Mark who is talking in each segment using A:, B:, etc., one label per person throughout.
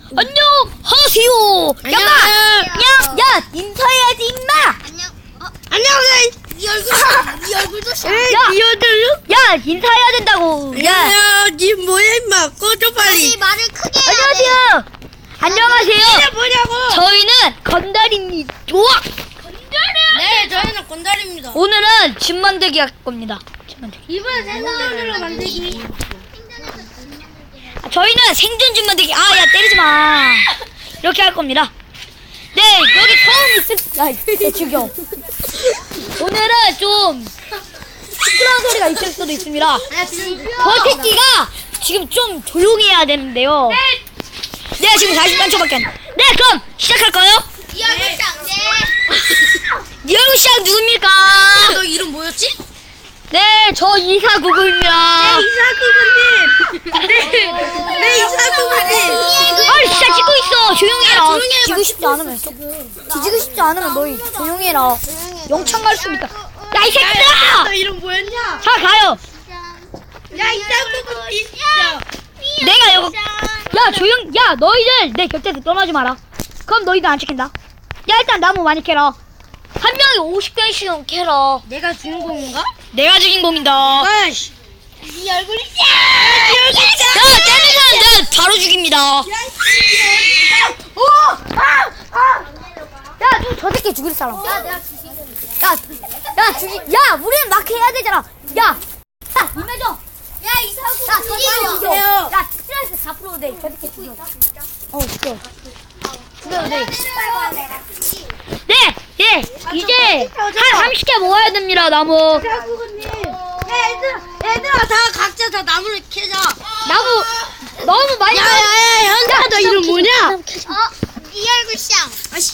A: 안녕하세요. 야, 인사해야지 임마.
B: 안녕하세요. 네 얼굴도 씨.
A: 야, 인사해야 된다고. 야,
B: 니 뭐야 임마. 꺼져 빨리.
C: 말을 크게 해야 돼.
A: 안녕하세요. 안녕하세요.
B: 이게 뭐냐고.
A: 저희는 건달입니다. 좋아.
B: 네, 저희는 건달입니다.
A: 오늘은 집 만들기 할 겁니다. 집 만들기.
B: 이번엔 생선으로 만들기.
A: 저희는 생존 집 만들기. 야, 때리지 마. 이렇게 할 겁니다. 네, 여기 처음 있을, 죽여. 오늘은 좀 시끄러운 소리가 있을 수도 있습니다. 저 새끼가 지금 좀 조용히 해야 되는데요. 네, 지금 43초밖에 안. 네, 그럼 시작할까요?
C: 이 얼굴 짱네.
A: 니 얼굴 시작 누굽니까?
B: 너 이름 뭐였지?
A: 네, 저 이사구구입니다.
B: 네, 이사구구님.
A: 아, 진짜 찍고 있어. 조용히 해라.
B: 조용히 해봐.
A: 뒤지고 싶지 않으면 뒤지고 싶지 않으면 너희 조용히 해라. 영창 갈 수 있다. 야, 이 새끼들아!
B: 너 이름 뭐였냐?
A: 자, 가요.
B: 야, 이사구구 진짜.
A: 내가 여기. 야, 야, 너희들 내 곁에서 떠나지 마라. 그럼 너희들 안 찍힌다. 야, 일단 나무 많이 캐라. 한 명이 50개씩 캐라.
B: 내가 주인공인가?
A: 내가 주인공이다.
B: 아이씨.
C: 네 얼굴이
A: 야, 때리는 사람 내가 바로 죽입니다. 야, 저 새끼 죽일 사람. 야, 우리는 마크 해야 되잖아. 야, 임해줘.
C: 야 이사구
A: 야, 저
C: 죽여.
A: 죽여. 야, 스트레스 4% 돼. 저 새끼 죽여. 죽여. 죽여도 돼. 네, 예, 이제 한 30개 모아야 됩니다, 나무.
B: 이사구구님. 얘들아, 다 각자 다 나무를 캐자.
A: 나무 너무 많이.
B: 현자, 너 이름 뭐냐?
C: 네 얼굴 짱.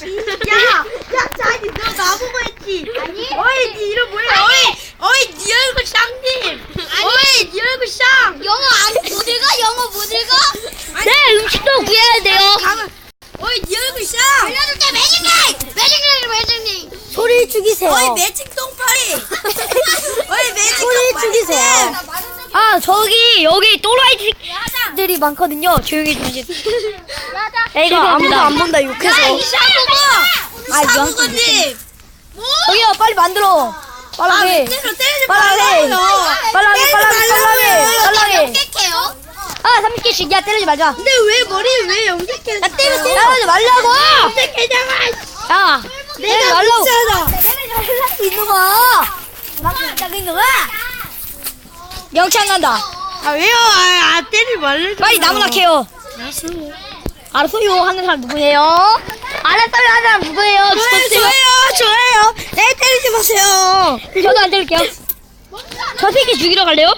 B: 자기 너 나보고 했지? 아니. 어이, 니 이름 뭐야? 어이, 니 얼굴 쌍님. 어이, 니 얼굴 쌍.
C: 영어 못 읽어? 영어 못 읽어?
A: 네, 음식도 구해야 돼요.
B: 어이, 니 얼굴 쌍.
C: 알려줄게 매직님.
A: 소리 죽이세요.
B: 어이, 매직 똥파리. 어이, 매직
A: 소리
B: 똥파리.
A: 죽이세요. 아, 여기 또라이들이 많거든요. 조용히 좀 해주세요. 야, 이거 아무도 안 본다, 욕해서.
B: 이사구구님.
A: 저기요, 빨리 만들어. 빨라게.
B: 때리지
A: 빨라게.
B: 말라고요.
A: 빨라게.
C: 깨끗해요.
A: 30개씩. 야, 때리지 말자.
B: 근데 왜 머리를 왜 염색해? 나
A: 때리지 말라고! 야, 때리지 말라고. 때리지 이놈아. 이놈아. 영창 간다.
B: 아, 왜요? 때리지 말래.
A: 빨리 나무나 캐요. 알았어요 하는 사람 누구예요? 알았어요 하는 사람 누구예요?
B: 좋아요. 네, 때리지 마세요.
A: 저도 안 때릴게요. 저 새끼 죽이러 갈래요?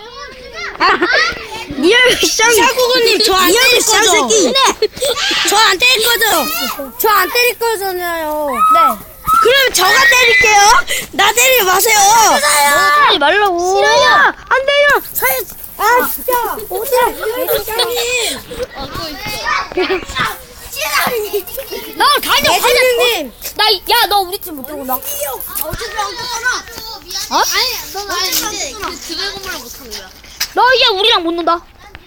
A: 니 얼굴
B: 이사구구님, 저 안 때릴 거죠? 저 안 때릴 거죠?
A: 저 안 때릴 거잖아요. 네.
B: 그럼 저가 때릴게요. 나 때리지 마세요.
A: 때리지 말라고.
B: 싫어요.
A: 안 돼요.
B: 진짜.
A: 나 가자.
B: 대장님.
A: 야, 너 우리 팀 못 들어온다. 어?
C: 아니 너 이제 그들 건물을 못하는 거야.
A: 너 이제 우리랑 못 논다.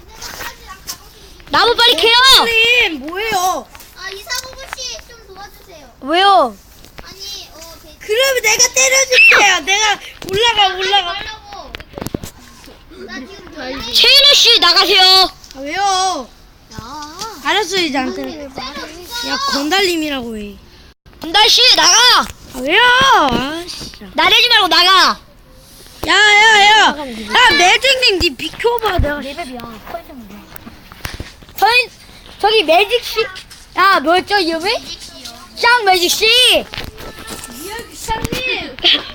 A: 나무 빨리 캐요.
B: 님, 뭐예요?
C: 이사구 씨좀 도와주세요.
A: 왜요?
C: 아니
B: 그러면 내가 때려줄게요. 내가 올라가.
C: 말라고. 나 지금
A: 최인우 씨 나가세요.
B: 왜요?
C: 야.
B: 알았어, 이제 안 때려. 야, 건달님이라고 해.
A: 건달 씨 나가.
B: 왜요? 아씨.
A: 나대지 말고 나가.
B: 야, 매직님, 니 비켜봐. 내가.
A: 레벨이야. 저기 매직 씨. 야, 뭐였죠 이름이? 짱 매직 씨.
B: 이사님.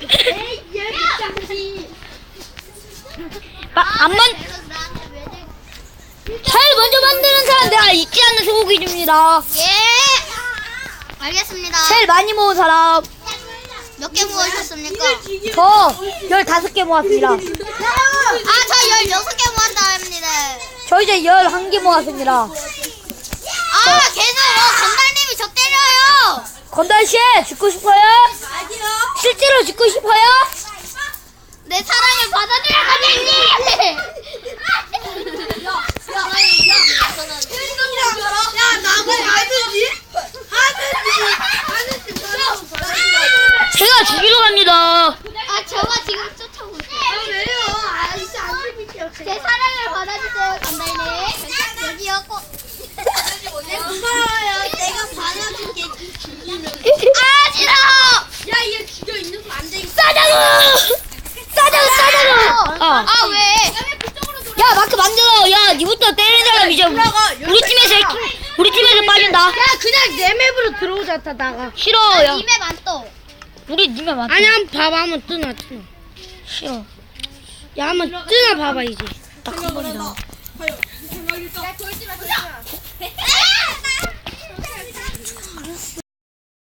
A: 제일 먼저 만드는 사람 내가 잊지 않는 소고기 줍니다.
C: 예. 알겠습니다.
A: 제일 많이 모은 사람.
C: 몇 개 모으셨습니까?
A: 저 15개 모았습니다.
C: 저 16개 모았다 합니다.
A: 저 이제 11개 모았습니다.
C: 계속 건달님이 저 때려요.
A: 건달 씨 죽고 싶어요? 실제로 죽고 싶어요?
C: 내 사랑을 받아들여 건달님.
B: 야, 나무
C: 사랑을 받아주세요, 간다이네. 여기요, 꼭. 고마워요. 내가 받아줄게. 아, 싫어!
B: 야, 얘 죽여 있는 거 안 돼.
A: 싸자구!
C: 아, 왜?
A: 야 마크 만들어. 야 니부터 때리는 사람 이제 우리 팀에서 빠진다.
B: 야, 그냥 내 맵으로 들어오자, 다 나가.
A: 싫어. 야
C: 입에 많어.
A: 우리 님에 맞.
B: 아니, 한번 봐봐, 한번 뜨나.
A: 싫어.
B: 야, 한번 뜨나 봐봐, 이제.
A: 딱 한 번이다.
C: 야, 돌지 마.